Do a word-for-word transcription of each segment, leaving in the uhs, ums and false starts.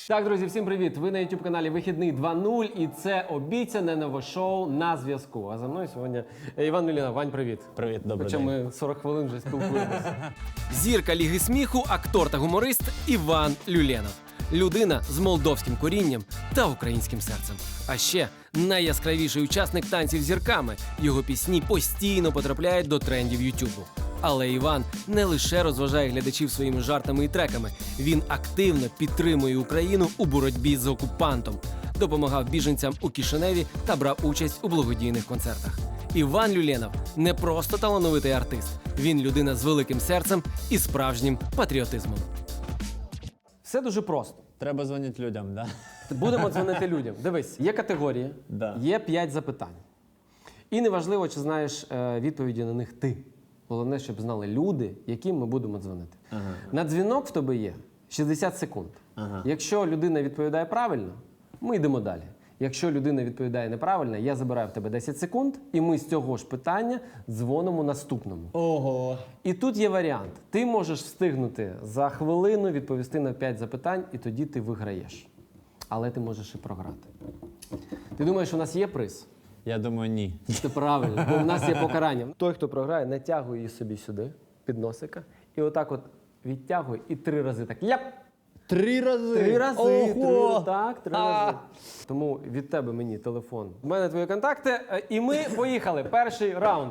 Так, друзі, всім привіт! Ви на ютуб-каналі Вихідний два нуль і це обіцяне нове шоу «На зв'язку». А за мною сьогодні Іван Люлєнов. Вань, привіт! Привіт, добрий Хоча день. ми сорок хвилин вже спілкуємося. Зірка Ліги сміху, актор та гуморист Іван Люлєнов. Людина з молдовським корінням та українським серцем. А ще найяскравіший учасник танців з зірками. Його пісні постійно потрапляють до трендів Ютубу. Але Іван не лише розважає глядачів своїми жартами і треками. Він активно підтримує Україну у боротьбі з окупантом, допомагав біженцям у Кишиневі та брав участь у благодійних концертах. Іван Люлєнов не просто талановитий артист. Він людина з великим серцем і справжнім патріотизмом. Все дуже просто. Треба дзвонити людям, да? Будемо дзвонити людям. Дивись, є категорії, Да. є п'ять запитань. І неважливо, чи знаєш е, відповіді на них ти. Головне, щоб знали люди, яким ми будемо дзвонити. Ага. На дзвінок в тебе є шістдесят секунд. Ага. Якщо людина відповідає правильно, ми йдемо далі. Якщо людина відповідає неправильно, я забираю в тебе десять секунд, і ми з цього ж питання дзвонимо наступному. Ого. І тут є варіант. Ти можеш встигнути за хвилину відповісти на п'ять запитань, і тоді ти виграєш. Але ти можеш і програти. Ти думаєш, у нас є приз? Я думаю, ні. Це правильно, бо в нас є покарання. Той, хто програє, натягує її собі сюди, під носика, і отак от відтягує, і три рази так ляп! Три рази? Три рази, Ого! три, так, три А! рази. Тому від тебе мені телефон. У мене твої контакти, е, і ми поїхали. Перший раунд.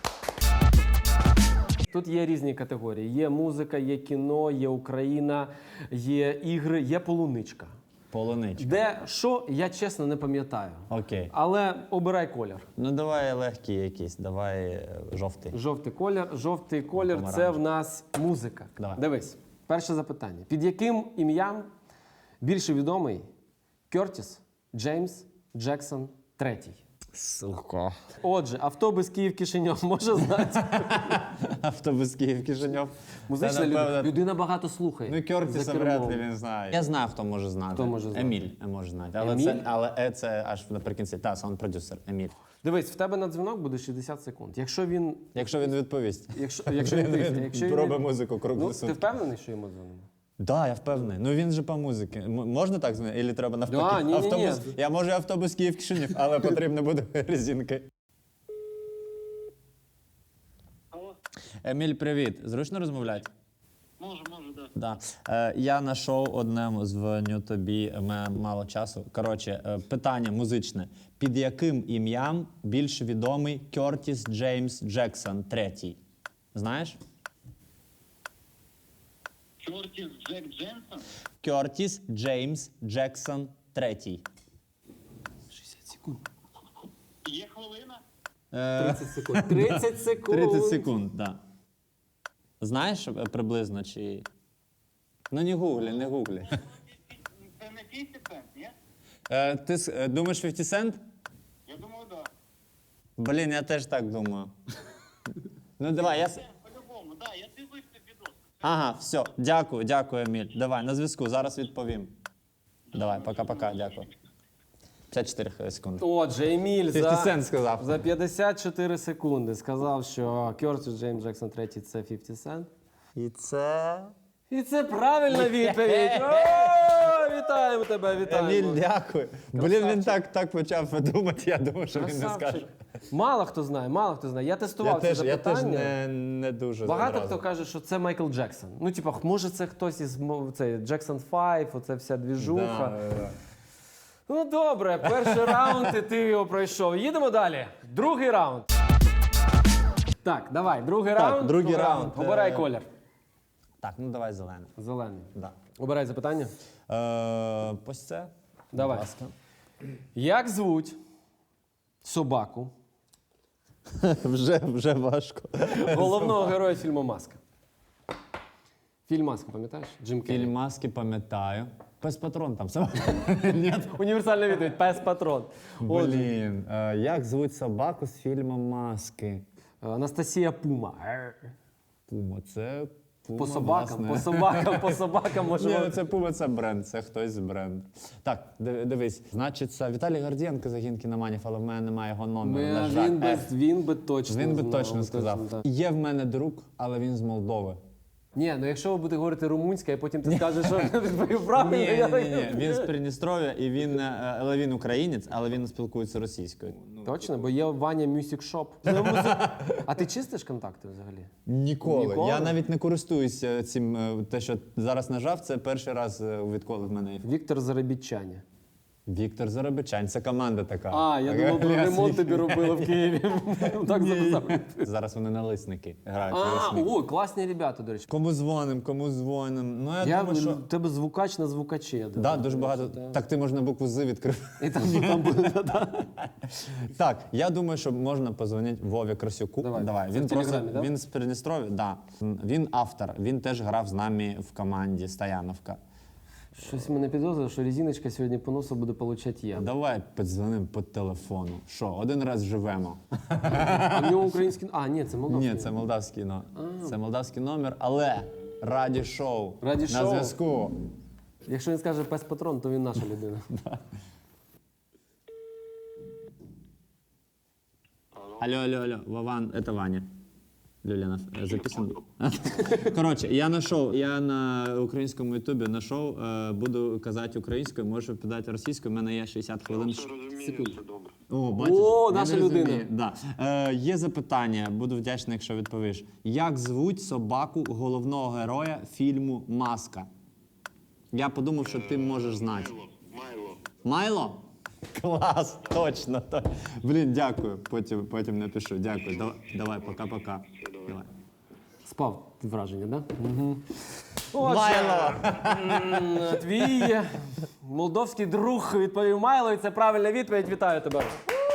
Тут є різні категорії. Є музика, є кіно, є Україна, є ігри, є полуничка. Полуничка. Де що, я чесно не пам'ятаю. Окей. Але обирай колір. Ну давай легкий якийсь, давай е, жовтий. Жовтий колір. Жовтий колір – це Помаранчевий. в нас музика. Давай. Дивись, перше запитання. Під яким ім'ям більше відомий Кертіс Джеймс Джексон третій? Сука. Отже, автобус Київ-Кишиньов може знати. Автобус Київ-Кишиньов. Музична Це, людина. напевно, Людина багато слухає. Ну, Кертіса За вряд кермом. ли він знає. Я знаю, хто може знати. Хто може знати? Еміль може знати. Але, Еміль? Це, але е, це аж наприкінці. Та, саунд-продюсер Еміль. Дивись, в тебе на дзвінок буде шістдесят секунд. Якщо він... Якщо він відповість. Якщо, якщо він, Він якщо він, робить музику круглі ну, сутки. ти впевнений, що йому дзвонимо? Да, я впевнений. Ну він же по музиці. М- можна так звонити? Ілі треба навпаки? Да, ні-ні-ні. автобус. Я можу автобус Київ-Кишинів, але потрібно буде резинки. Алло, Еміль, привіт. Зручно розмовляти? можу, можу, да. Да. Е, я на шоу одному дзвоню тобі, у мене мало часу. Коротше, е, питання музичне. Під яким ім'ям більш відомий Кертіс Джеймс Джексон третій? Знаєш? Кертіс Джек Дженсон? Кертіс Джеймс Джексон третій. шістдесят секунд. Є хвилина? Е, тридцять секунд. тридцять секунд. тридцять секунд, так. Да. Знаєш е, приблизно чи. Ну не гуглі, не гуглі. Це не п'ятдесят цент, ні? Е, ти с- е, думаєш п'ятдесят Cent? Я думаю, да. Блін, я теж так думаю. Ну давай, я. с- Це по-любому, да, я дивився відос. Ага, все. Дякую, дякую, Еміль. Давай, на зв'язку, зараз відповім. Давай, пока-пока, дякую. п'ятдесят чотири секунди. Отже, Еміль за, п'ятдесят Cent сказав. за п'ятдесят чотири секунди сказав, що Кертіс Джеймс Джексон третій – це п'ятдесят Cent. І це. І це правильна відповідь. О, вітаємо тебе, вітаємо. Еміль, дякую. Блін, він Красавчик. так, так почав думати, я думав, що він не Красавчик. скаже. Мало хто знає, мало хто знає. Я тестував Я ці теж, я теж запитання. не, не дуже Багато одразу. хто каже, що це Майкл Джексон. Ну, типа, може це хтось із мо- цей Джексон п'ять, оце вся двіжуха. Да, да, да. Ну добре, перший раунд, і ти його пройшов. Їдемо далі. Другий раунд. Так, давай, другий Так, раунд. другий раунд, Обирай е, колір. Так, ну давай зелений. Зелений. Да. Обирай запитання. Е, ось це. Давай. Будь ласка. Як звуть собаку вже, вже важко. головного героя фільму «Маска»? Фільм «Маска», пам'ятаєш? Джим Керрі. Фільм «Маски» пам'ятаю. Пес патрон там сам. Ні. Універсальна відповідь. Пес патрон. Отже, Блін, е, як звуть собаку з фільму «Маски»? Анастасія Пума. Пума, це Пума, По собакам, власне. по собакам, по собакам Ні, може. ну це Пума, це бренд, це хтось з бренду. Так, диви- дивись, значить, це Віталій Гордієнко загін кіноманів, але в мене немає його номеру. Ми- на жаль. він, би, Е, він би точно він би знав, точно сказав. так. Є в мене друг, але він з Молдови. Ні, ну якщо ви будете говорити румунська, і потім ти скажеш, що я відповів правильно, Ні, я ні, ні, він з Придністров'я, і він, е, але він українець, але він спілкується російською. Точно, бо є Ваня Music Shop. Це музик- А ти чистиш контакти взагалі? Ніколи. Ніколи? Я навіть не користуюся цим, е, те, що зараз нажав, це перший раз, е, відколи в мене є. Віктор Заробітчаня. Віктор Заробичань, це команда така. А, я Така думав, про Ілля ремонт Світ. тобі робили в Києві. Так записав. Зараз вони налисники грають. А, налисники. о, класні ребята, до речі. Кому дзвоним, кому дзвоним. Ну, я, Я думаю, що... в тебе звукач на звукачі. я Да, думаю. дуже багато. Так ти можна букву З відкрив. І там, там буде, да. Так, я думаю, що можна позвонити Вові Красюку. Давай. Це Він в просто Телеграмі, да? він з Придністров'я, да. Він автор. Він теж грав з нами в команді Стояновка. Щось мене підозрює, що резиночка сьогодні по носу буде получати я. Давай подзвонимо по телефону. Що, один раз живемо. А в нього український... А, ні, це молдавський. Ні, це молдавський но. Це молдавський номер, але раді шоу. Раді на шоу. зв'язку. Якщо він скаже пес патрон, то він наша людина. Алло, алло, алло, Вован, это Ваня. Люленов, э, записан? Коротше, я знайшов, я на українському ютубі знайшов, е, буду казати українською, можу підати російською, у мене є шістдесят хвилин. Розумію, все добре. О, бачиш? О, Я наша не розумію. людина. Да. Е, є запитання, буду вдячний, якщо відповіш. Як звуть собаку головного героя фільму «Маска»? Я подумав, що ти можеш знати. Майло. Майло? Клас, точно. то- Блін, дякую. Потім, потім напишу. Дякую. Давай, давай пока-пока. Давай. Спав враження, так? Да? Майло! М, Твій молдовський друг відповів Майло, і це правильна відповідь. Вітаю тебе.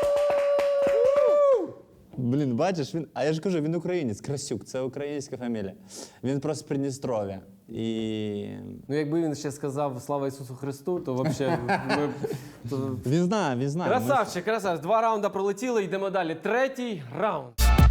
Блін, бачиш, він. А я ж кажу, він українець, Красюк, це українська фамілія. Він просто з Придністров'я. І. Ну, якби він ще сказав «Слава Ісусу Христу», то взагалі ми... то- Він знає, він знає. Красавчик, красавчик. Два раунди пролетіли, йдемо далі. Третій раунд.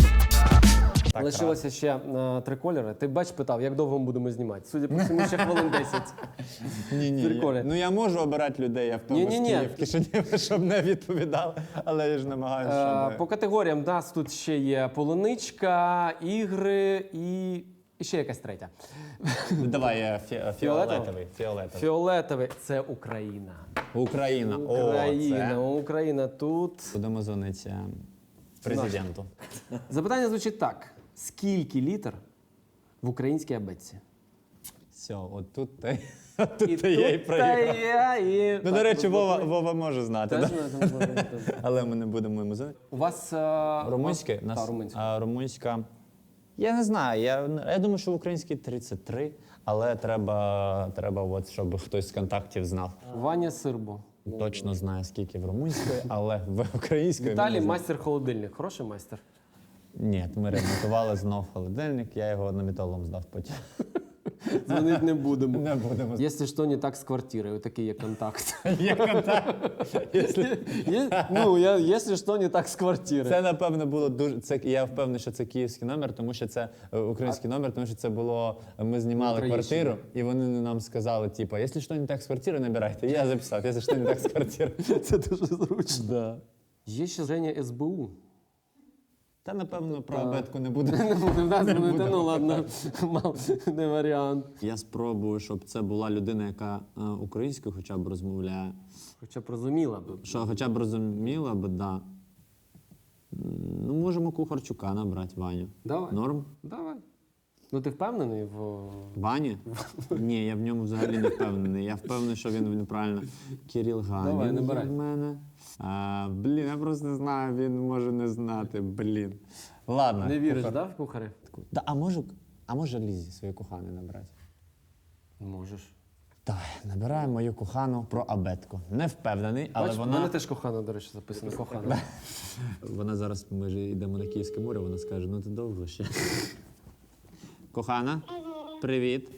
Так, Лишилося ще е, три кольори. Ти бач, питав, як довго ми будемо знімати? Судя по всьому, ще хвилин десять. Ні, ні. Прикольно. Я, ну я можу обирати людей, автобус Ні-ні-ні. Київ, Кишинів, щоб не відповідали, але я ж намагаюся, Е, щоб... По категоріям у нас тут ще є полуничка, ігри і, і ще якась третя. Давай е, фі- фіолетовий. Фіолетовий. Фіолетовий – це Україна. Україна. Україна, О, це... Україна тут. Будемо дзвонити президенту. Запитання звучить так. Скільки літер в українській абетці? Все, от тут ти, тут І ти я і тут проїхав. та я, і... Ну, до речі, Вова, Вова може знати, Теж да? знаю, там буде, там. Але ми не будемо йому знати. У вас... е, Румунське? у вас- Та, румунське. А, румунська. Я не знаю. Я, я думаю, що в українській тридцять три, але треба, треба от, щоб хтось з контактів знав. Ваня Сирбо. Точно знає, скільки в румунської, але в української. Віталій він не знає. майстер холодильник. Хороший майстер? Ні, ми ремонтували знов холодильник, я його на металом здав потім. Дзвонити не будемо. Не будемо. Якщо що, не так з квартирою, такий є контакт. Є контакт. Якщо- Є- Ну, я, якщо що, не так з квартири. Це, напевно, було дуже. Це я впевнений, що це київський номер, тому що це е, український номер, тому що це було. Ми знімали Троєщина. квартиру, і вони нам сказали, типу, якщо що не так з квартири, набирайте. І я записав, якщо що не так з квартири. Це дуже зручно. Да. Є ще Женя ес бе у. Та, напевно, про абетку не буде. Не буде в нас дзвонити, ну ладно, мав, не варіант. Я спробую, щоб це була людина, яка е, українською хоча б розмовляє. Хоча б розуміла б. Що хоча б розуміла б, да. М, Ну, можемо Кухарчука набрати, Ваню. Давай. Норм? Давай. Ну ти впевнений в. Ваня? Ні, я в ньому взагалі не впевнений. Я впевнений, що він, він правильно. Кирил Ганін Давай, є набирай. в мене. А, блін, я просто не знаю, він може не знати, блін. Ладно. Не віриш, кухар. да, в кухарі? Да, а може, а може Лізі свою кохану набрати? Можеш. Давай, набираємо мою кохану про абетку. Не впевнений, але Бач, в вона... мене теж кохана, до речі, записано. Кохана. Вона зараз, ми ж йдемо на Київське море, вона скаже, ну ти довго ще. Кохана, привіт.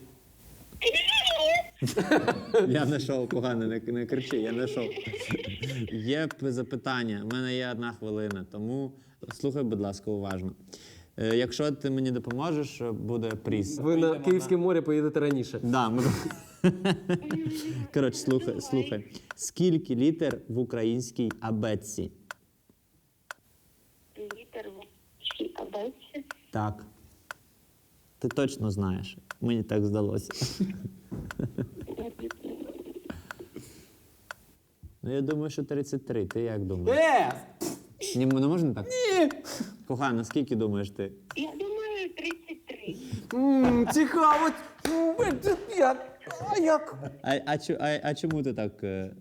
Я знайшов, кохана, не, не кричи, я знайшов. Є п- запитання, в мене є одна хвилина, тому слухай, будь ласка, уважно. Е, Якщо ти мені допоможеш, буде приз. Ви на Київське море поїдете раніше. Да, ми... Коротше, слухай, слухай. Скільки літер в українській абетці? Літер в абетці. Так. Ти точно знаєш. Мені так здалося. Ну, я думаю, що тридцять три. Ти як думаєш? Е! Ні, не можна так? Ні. Кохана, скільки думаєш ти? Я думаю, тридцять три. М, Цікаво. М, це я- А як? А, а, чу- а, а чому ти так? е,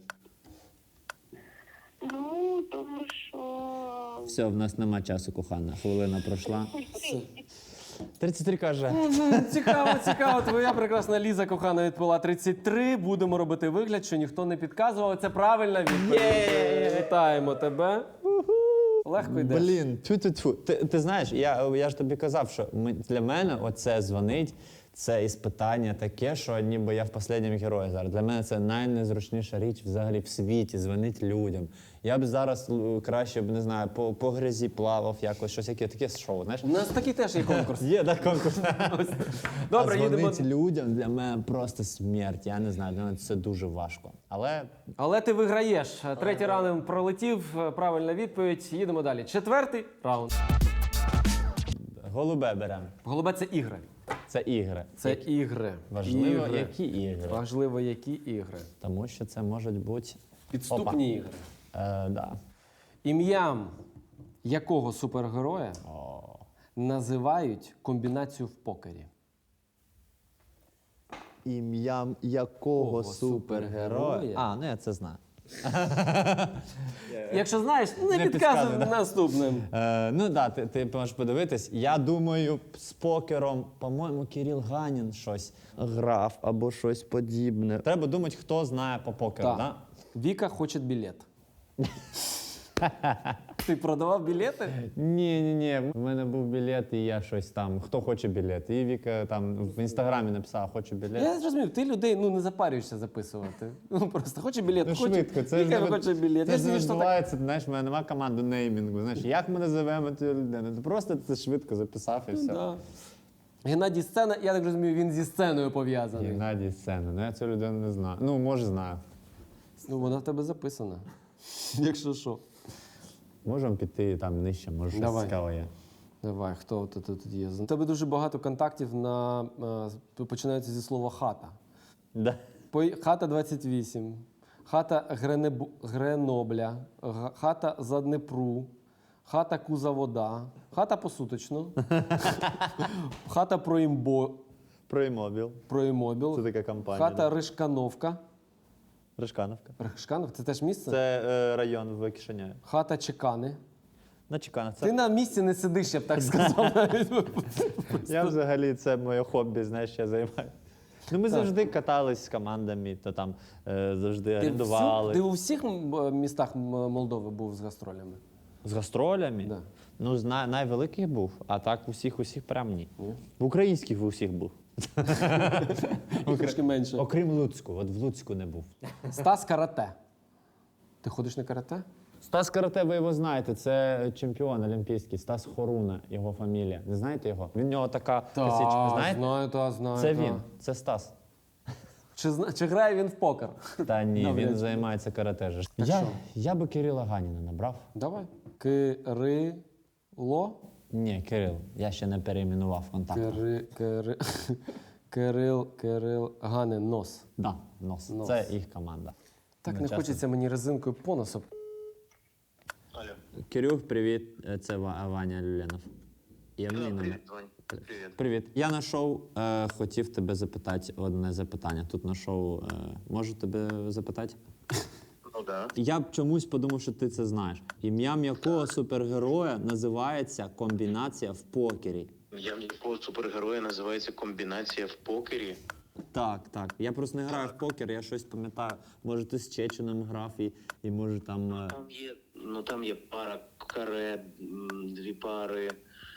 Ну, тому що... Все, в нас нема часу, кохана. Хвилина пройшла. тридцять три каже. Мгм, Цікаво, цікаво. Твоя прекрасна Ліза кохана відповіла тридцять три. Будемо робити вигляд, що ніхто не підказував. Це правильна відповідь. Вітаємо тебе. Легко йдеш. Блін, тьфу-тьфу-тьфу. Ти, ти знаєш, я, я ж тобі казав, що ми, для мене оце дзвонить, це іспитання таке, що ніби я в останньому герої зараз. Для мене це найнезручніша річ взагалі в світі, дзвонить людям. Я б зараз л, краще б, не знаю, по, по грязі плавав, якось щось яке, таке шоу, знаєш? У нас такий теж є конкурс. Є, так, конкурс. Добре, а їдемо. дзвонить людям для мене просто смерть. Я не знаю, для мене це дуже важко. Але Але ти виграєш. Третій раунд пролетів. Правильна відповідь. Їдемо далі. Четвертий раунд. голубе беремо. Голубе це ігри. Це ігри. Це ігри. Важливо, ігри. які ігри. Важливо, які ігри. Тому що це можуть бути Підступні ігри. Е, да. Ім'ям якого супергероя називають комбінацію в покері? Ім'ям якого Кого супергероя? супергероя? А, ну я це знаю. Якщо знаєш, не, Не підказуй підказуй, да. наступним. Е, ну так, да, ти, ти можеш подивитись. Я думаю, з покером, по-моєму, Кирил Ганін щось грав або щось подібне. Треба думати, хто знає по покеру, Так. да? Віка хоче білет. Ти продавав білети? Ні, ні, ні. У мене був білет, і я щось там. Хто хоче білет? І Віка там в інстаграмі написала, хочу білет. Я зрозумів, ти людей ну, не запарюєшся записувати. Ну просто хоче білет, Ну, хоче, швидко, це ж Віка не хоче білет. Це Я ж собі не що так. відбувається, знаєш, в мене немає команди неймінгу. Знаєш, як ми називаємо цю людину? Ти просто це швидко записав і все. Да. Геннадій Сцена, я так розумію, він зі сценою пов'язаний. Геннадій Сцена. Ну я цю людину не знаю. Ну, може, знаю. Ну, вона в тебе записана. Якщо що. Можемо піти там нижче, може щось Давай. цікаве є. Давай, хто тут, тут є? У тебе дуже багато контактів на е, починаються зі слова хата. Да. Пой- Хата двадцять вісім, хата Гренебу... Гренобля, га- хата Заднепру, хата Кузавода, хата Посуточно, хата Проімбо... Проімобіл. Проімобіл, Це така компанія, хата да. Ришкановка. Ришкановка. Ришканов, це теж місце? Це е, район в Кишиняві. Хата Чекани. На Чекановці. Ти на місці не сидиш, я б так сказав. навіть. Я взагалі, це моє хобі, знаєш, я займаю. Ну, ми завжди катались з командами, то там е, завжди Ти, орендували. всю- ти у всіх м, містах м, Молдови був з гастролями? З гастролями? Да. Ну, з най- найвеликих був, а так усіх усіх прям ні. В українських в усіх був. Трошки менше. Окрім Луцьку, от в Луцьку не був. Стас карате. Ти ходиш на карате? Стас Карате, ви його знаєте, це чемпіон олімпійський, Стас Хоруна, його фамілія. Не знаєте його? Він в нього така косичка, знаєте? знаю, та, знаю. Це та. він, це Стас. Чи, зна- чи грає він в покер? Та ні, Добре. він займається карате. же. Так Я, що? я би Кирила Ганіна набрав. Давай. Кирило. Ні, Кирил, я ще не перейменував контакт. Кири, кири, Кирил, Кирил, Ганин, нос. Да, нос. Нос. Це їх команда. Так Ми не часто- хочеться мені резинкою по носу. Алло. Кирюх, привіт. Е, Це Ва- Ваня Люленов. Є мій номер. Привет, Вань. Привет. Привіт. Я на шоу е, хотів тебе запитати одне запитання. Тут на шоу е, можу тебе запитати? Ну да. Я б чомусь подумав, що ти це знаєш. Ім'ям якого супергероя називається комбінація в покері? Я в якого супергероя називається комбінація в покері. Так, так. Я просто не граю в покер, я щось пам'ятаю. Може, ти з Чеченом грав і, і може там. е, Там є, ну там є пара каре, м, дві пари,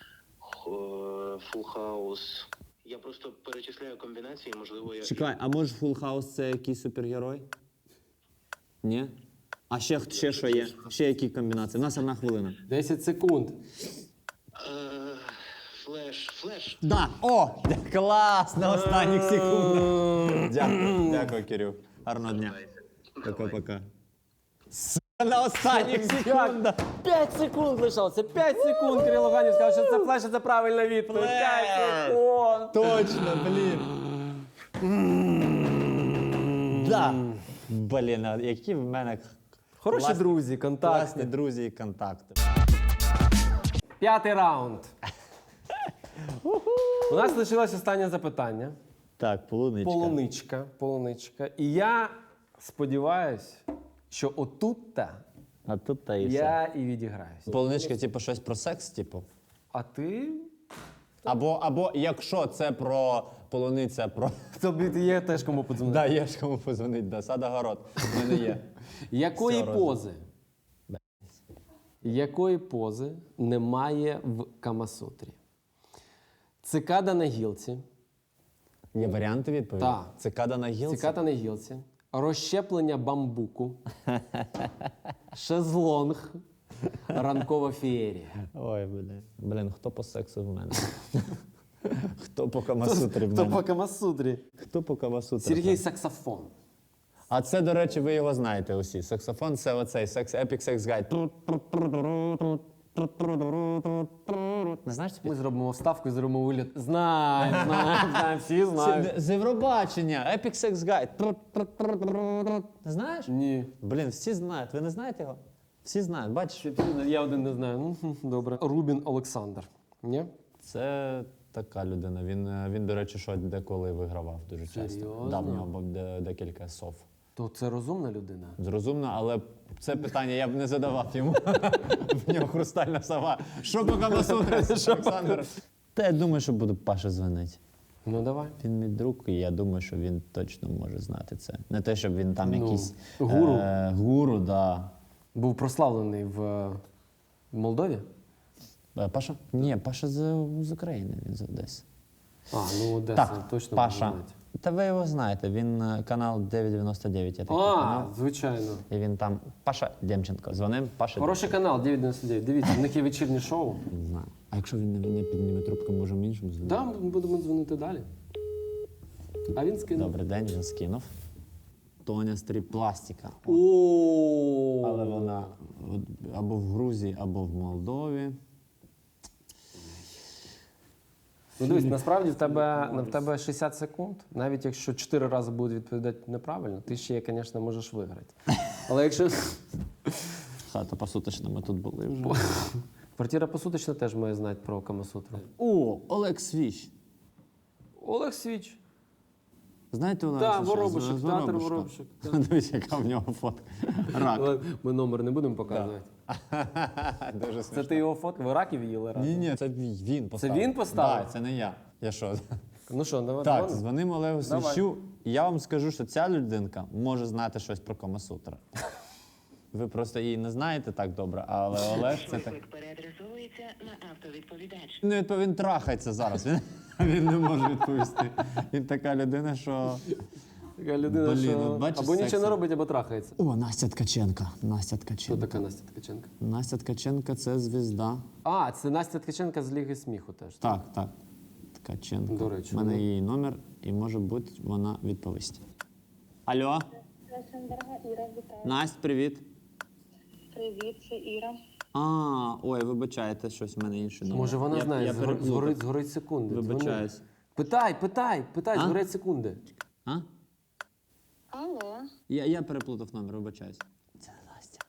фул хаус. Я просто перечисляю комбінації, можливо, я. Чекай, а може Full House це якийсь супергерой? Ні? А ще, ще що є? Ще які комбінації? У нас одна хвилина. десять секунд. Е, Флеш, флеш. Да! О! Клас! На останніх секундах. Дякую, дякую, Кирюх. Гарного дня. Пока-пока. На останніх секундах. П'ять секунд лишалося. П'ять секунд. Кирило Ганів сказав, що це флеш, це правильна відповідь. П'ять секунд. Точно, блін. Да. Блін, а які в мене Хороші класні- друзі, контакти. класні друзі і контакти. П'ятий раунд. У нас лишилось останнє запитання. Так, полуничка. Полуничка, полуничка. І я сподіваюсь, що отут-та А тут та і все. я і відіграюсь. Полуничка, типу, щось про секс, типу? А ти? Або, або якщо це про полуниця, про... Тобі є теж кому подзвонити. Да, є ж кому позвонити, да, сад-огород. В мене є. Якої Все пози? Якої пози немає в Камасутрі? Цикада на гілці, Є варіанти відповіді? Так. Цикада на гілці? цикада на гілці, розщеплення бамбуку, шезлонг, ранкова феєрія. Ой, блін. Блін, хто по сексу в мене? Хто по Камасутрі в Хто мене? по Камасутрі? Хто по Камасутрі? Сергій Саксофон. А це, до речі, ви його знаєте усі. Саксофон — це оцей секс, Epic Sex Guide. Не знаєш цю Ми зробимо вставку і зробимо вигляд. Знаємо, знаємо, знаємо, всі знають. Це з Євробачення, Epic Sex Guide. Не знаєш? Ні. Блін, всі знають. Ви не знаєте його? Всі знають, бачиш? Я один не знаю. Ну, хм, добре. Рубін Олександр. Ні? Це така людина. Він, е, він до речі, що деколи вигравав дуже часто. Серйозно? Да, в нього був де- декілька сов. То це розумна людина. Зрозумно, але це питання я б не задавав йому. В нього хрустальна сова. Що по Камасутрі, Олександр? Та я думаю, що буду Паша дзвонити. Ну давай. Він мій друг, і я думаю, що він точно може знати це. Не те, щоб він там Ну, якийсь гуру. Е, гуру, да. Був прославлений в е, Молдові. Е, Паша? Ні, Паша з, з України, він з Одеси. А, ну Одеса Так, точно Паша. можна знати. Та ви його знаєте, він е, канал дев'ять дев'яносто дев'ять, є такий А, канал. звичайно. І він там, Паша Демченко, дзвонив, Паша Хороший канал дев'ять дев'яносто дев'ять. Дивіться, в них є вечірнє шоу. Не знаю. А якщо він не, не підніме трубку, можемо іншому дзвонити? Да, ми будемо дзвонити далі. А він скинув. Добрий день, він скинув. Тоня Стріпластика. О, Але вона от або в Грузії, або в Молдові. Ну дивись, насправді в тебе, в тебе шістдесят секунд. Навіть якщо чотири рази будуть відповідати неправильно, ти ще, звісно, можеш виграти. Але якщо Хата посуточна, ми тут були вже. квартира посуточна теж має знати про Камасутру. О, Олег Свіч. Олег Свіч. Знаєте, Олег Так, Свіч? Воробушек, З театр Воробушка. Воробушек. Дивись, яка в нього фотка. Рак. Але ми номер не будемо показувати. Дуже Це ти його фотку? Ви раків їли разом? Ні, ні, це він поставив. він поставив? Так, це не я. Я що? Ну що, давай. Так, давай. дзвонимо Олегу Давай. Свічу. І я вам скажу, що ця людинка може знати щось про Камасутра. Ви просто її не знаєте так добре, але Олег це так. Виклик переадресовується на автовідповідач. Ну, відпов- він трахається зараз. Він, він не може відповісти. Він така людина, що. Така людина, Блін, що от бачиш, або нічого сексі. не робить, або трахається. О, Настя Ткаченка. Настя Хто Ткаченка. така Настя Ткаченка? Настя Ткаченка це звізда. А, це Настя Ткаченка з Ліги сміху теж. Так, так. Ткаченко. До речі, У мене ну. її номер, і може бути вона відповість. Алло, Наша дорога Іра, вітаю. Настя, привіт. Привіт, це Іра. А, ой, вибачайте, щось в мене інше номер. Може вона Я- знає, я згор- переплутав. згорить, згорить секунди. Дзвони. Вибачаюсь. Питай, питай, питай, А? згорять секунди. А? Алло. Я, я переплутав номер, вибачаюсь. Це Настя.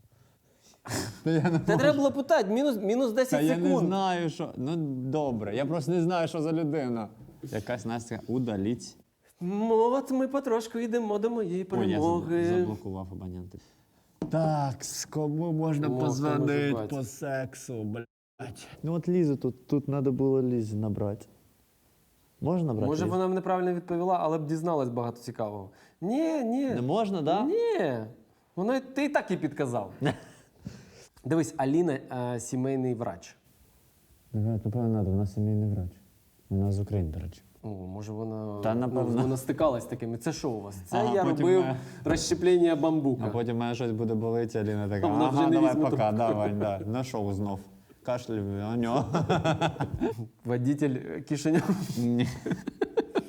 Та треба було питати, мінус, мінус Та десять я не секунд. знаю, що. Ну, добре, я просто не знаю, що за людина. Якась Настя удаліть. Ну, от ми потрошку йдемо до моєї Ой, я перемоги. забл- заблокував абоненти. Так, з кому можна О, хто може позвонити бачити? по сексу, блядь. Ну от Лізу тут, тут треба було Лізі набрати. Можна набрати? Може, Лізу? вона б неправильно відповіла, але б дізналась багато цікавого. Ні, ні. Не можна, так? Да? Ні. Воно й- ти і так і підказав. Дивись, Аліна е, сімейний врач. Напевно, треба, вона сімейний врач. Вона з України, до речі. О, може вона, Та, напевно. ну, вона стикалась з такими. Це що у вас? Це Ага, я потім робив ми- розщеплення бамбука. А потім мене щось буде болити, Аліна така, Вона вже ага, не давай візьме пока, давай, да. На шоу знов. Кашлю, а нього. Водитель Кишинев. Ні.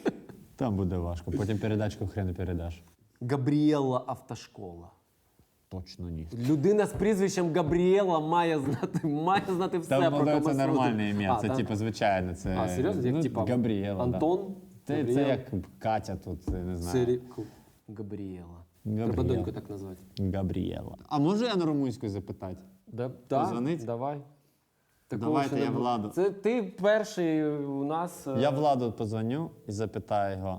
Там буде важко. Потім передачку хрен не передаш. Габріела Автошкола. Точно ні. Людина з прізвищем Габріела має знати, має знати все Там, про ну, це Камасутру. нормальне ім'я, А, це так? типу звичайно. Це, А, серйозно? Як ну, типа Габріела, Антон? Да. Це, Габріел? це як Катя тут, я не знаю. Сирі... Габріела. Треба Габріела. доньку так назвати. Габріела. А можу я на румунську запитати? Да, Позвонить? Давай. Такого Давайте ще не я було. Владу. Це ти перший у нас. е, Я Владу позвоню і запитаю його.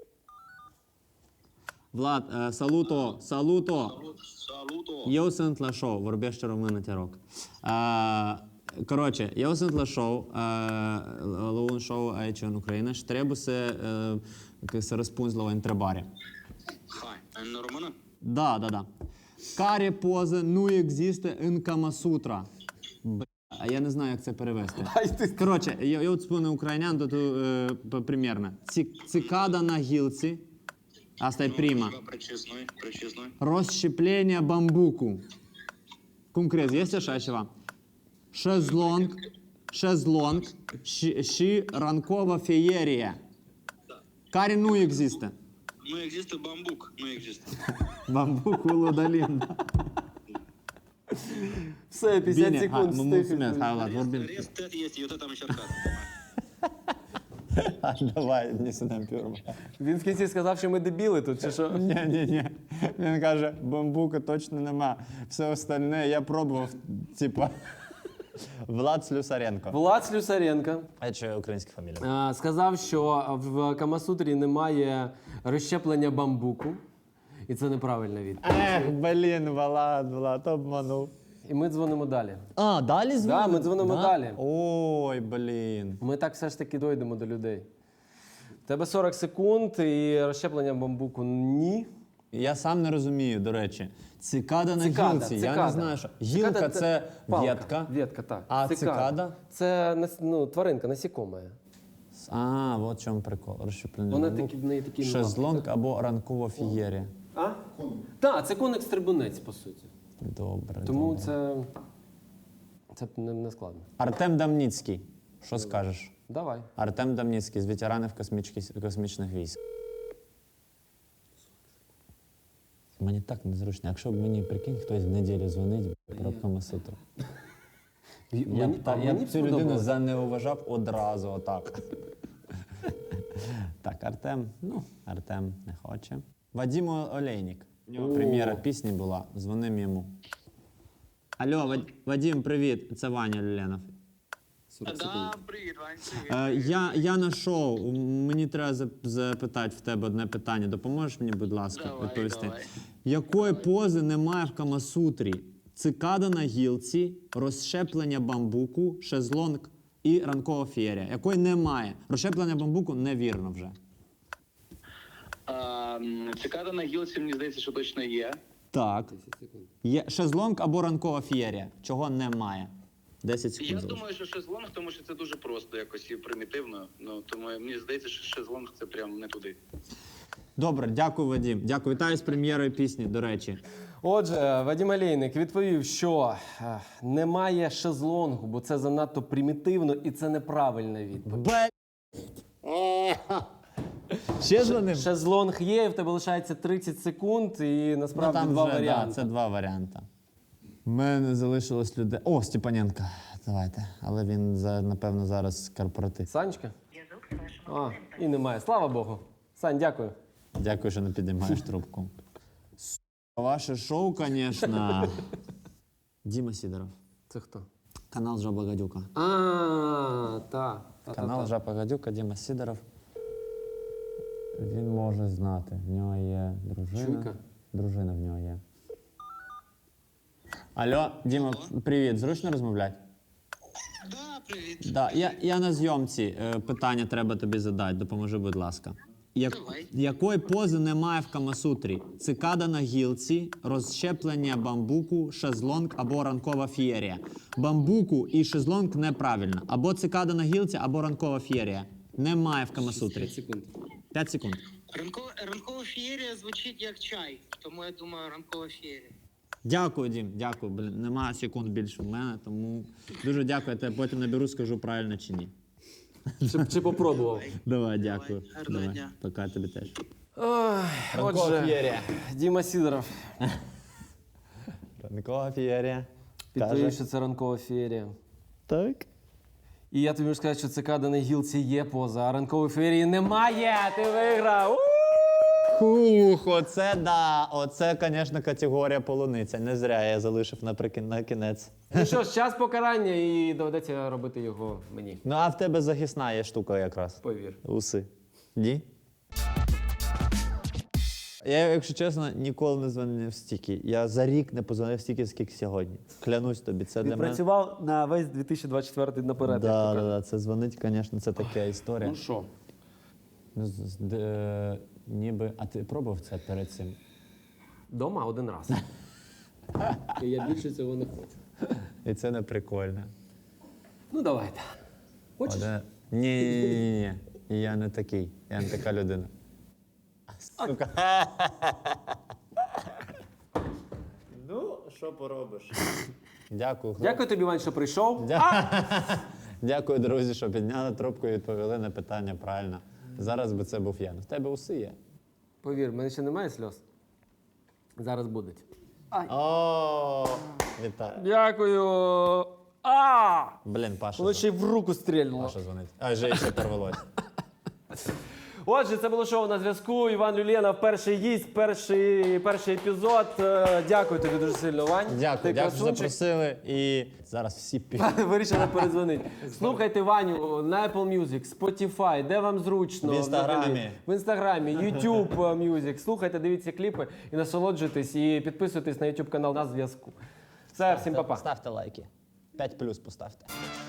Влад, е, салуто, салуто. Saluto. Eu sunt la show, vorbește română, te rog. Uh, Коротше, eu sunt la show, uh, la un show aici în Ucraina și trebuie să, uh, să răspunzi la o întrebare. Hai, în română? Da, da, da. Care poză nu există în Kama Sutra? Б**, я не знаю, як це перевести. Коротше, я, я от спомню українян, то, то е, примірно. Ці, цикада на гілці, а стай пріма. Причесной, причесной. Розщеплення бамбуку. Cum crezi? Este așa ceva? Șezlong, șezlong și, și rancova feierie. Care nu există? Nu există bambuc, nu există. Bambucul удалим. Da. Все, п'ятдесят Bine, hai, секунд mă стих. mulțumesc. Hai, Vlad, vorbim. Rest, tot este, eu tot am încercat. Hai, давай, не сидам пюрма. Він в кінці сказав, що ми дебіли тут, чи що? Ні, ні, ні. Він каже, бамбука точно нема. Все остальне я пробував, типа, Влад Слюсаренко. Влад Слюсаренко А що українська фамілія? е, сказав, що в Камасутрі немає розщеплення бамбуку. І це неправильна відповідь. Ех, блін, Влад, Влад, обманув. І ми дзвонимо далі. А, далі Да, дзвонимо? ми дзвонимо далі. Ой, блін. Ми так все ж таки дойдемо до людей. У тебе сорок секунд і розщеплення бамбуку ні. Я сам не розумію, до речі. Цикада на Цикада, гілці, я цикада. не знаю, що. Гілка Цикада – це палка. ветка. Ветка, так. А цикада? Це нас- ну, тваринка, насікома. А, от в чому прикол. Розщеплення Вона бамбуку. такі, в неї такі Шезлонг або ранкова фієрія. А? Так, це коник-стрибунець, по суті. Добре, Тому добре. це, це не, не складно. Артем Дамніцький. Що скажеш? Давай. Артем Дамніцький з ветеранів космічки- космічних військ. Мені так незручно. Якщо б мені, прикинь, хтось в неділю дзвонить про Камасутру. Я Мені- б, та, а я мені б б цю людину сподобалось. занеуважав одразу, отак. Так, Артем, ну, Артем не хоче. Вадим Олейник. У нього прем'єра пісні була, дзвоним йому. Алло, Вад- Вадим, привіт, це Ваня Люленов. Da, привіт, Вань, Е, я, я на шоу, мені треба зап- запитати в тебе одне питання. Допоможеш мені, будь ласка, Давай, відповісти? давай. Якої пози немає в Камасутрі? Цикада на гілці, розщеплення бамбуку, шезлонг і ранкова феєрія. Якої немає? Розщеплення бамбуку невірно вже. А, цикада на гілці, мені здається, що точно є. Так. Є шезлонг або ранкова феєрія. Чого немає? десять секунд. Я залишилось. думаю, що шезлонг, тому що це дуже просто якось і примітивно. Ну, тому мені здається, що шезлонг це прям не туди. Добре, дякую, Вадим. Дякую. Вітаю з прем'єрою пісні, до речі. Отже, Вадим Олейник відповів, що е, немає шезлонгу, бо це занадто примітивно і це неправильна відповідь. Б... Ще дзвонив? Шезлонг є, і в тебе лишається тридцять секунд, і Ну, насправді там два вже, варіанти. Да, це два варіанти. У мене залишилось людей. О, Степаненко. Давайте. Але він, за, напевно, зараз корпоратив. Санечка? А, і немає. Слава Богу. Сань, дякую. Дякую, що не підіймаєш трубку. С**, Ваше шоу, звісно. Діма Сідоров. Це хто? Канал Жаба Гадюка. А, та. та, Канал та, та. Жаба Гадюка, Діма Сідоров. Він може знати. В нього є дружина. Чуйка? Дружина в нього є. Алло, Діма, привіт. Зручно розмовляти? Да, привіт. Да, я, я на зйомці. Е, питання треба тобі задати. Допоможи, будь ласка. Як, Давай. якої пози немає в Камасутрі? Цикада на гілці, розщеплення бамбуку, шезлонг або ранкова фієрія. Бамбуку і шезлонг неправильно. Або цикада на гілці, або ранкова фієрія. Немає в Камасутрі. секунд. П'ять секунд. Ранкова, ранкова феєрія звучить як чай, тому я думаю, ранкова феєрія. Дякую, Дім, дякую. Блін, немає секунд більше в мене, тому дуже дякую. Я тебе потім наберу, скажу правильно чи ні. Чи, чи попробував? Давай, дякую. Гарного Давай. дня. Пока тобі теж. Ой, Ранкова отже, феєрія. Діма Сідоров. Ранкова феєрія. Підтверджую, Каже. що це ранкова феєрія. Так. І я тобі можу сказати, що цикада на гілці є поза, а ранкової феєрії немає. Ти виграв. У! Хух, оце да. Оце, звісно, категорія полуниця. Не зря я залишив наприкін на кінець. Ну що ж, час покарання і доведеться робити його мені. Ну, а в тебе захисна є штука якраз. Повір. Уси. Ні? Я, якщо чесно, ніколи не дзвонив стільки. Я за рік не позвонив стільки, скільки сьогодні. Клянусь тобі, це для мене. Відпрацював на весь дві тисячі двадцять четвертий наперед. Да, як то да, кажуть. да, це дзвонить, звісно, це така історія. Ну що? Ну, з- з- де, е, ніби. А ти пробував це перед цим? Дома один раз. І я більше цього не хочу. І це не прикольно. Ну давайте. Хочеш? Оде... Ні, ні, ні, ні, ні. Я не такий. Я не така людина. Сука. Ну, що поробиш? Дякую. хлопці. Дякую тобі, Вань, що прийшов. Дя- Дякую, друзі, що підняли трубку і відповіли на питання правильно. Зараз би це був я. Ну, в тебе уси є. Повір, в мене ще немає сльоз. Зараз будуть. О, вітаю. Дякую. А! Блін, Паша. Воно ще й в руку стрільнуло. Паша дзвонить. А, вже ще порвалось. Отже, це було шоу «На зв'язку». Іван Люленов, перший гість, перший, перший епізод. Е, Дякую тобі дуже сильно, Вань. Дякую, Ти дякую, що красунчик. запросили. І зараз всі пі... Вирішили передзвонити. Слухайте Ваню на Apple Music, Spotify, де вам зручно. В Інстаграмі. взагалі. В Інстаграмі, YouTube Music. Слухайте, дивіться кліпи і насолоджуйтесь, і підписуйтесь на YouTube канал «На зв'язку». Все, всім па-па. Ставте лайки. п'ять плюс поставте.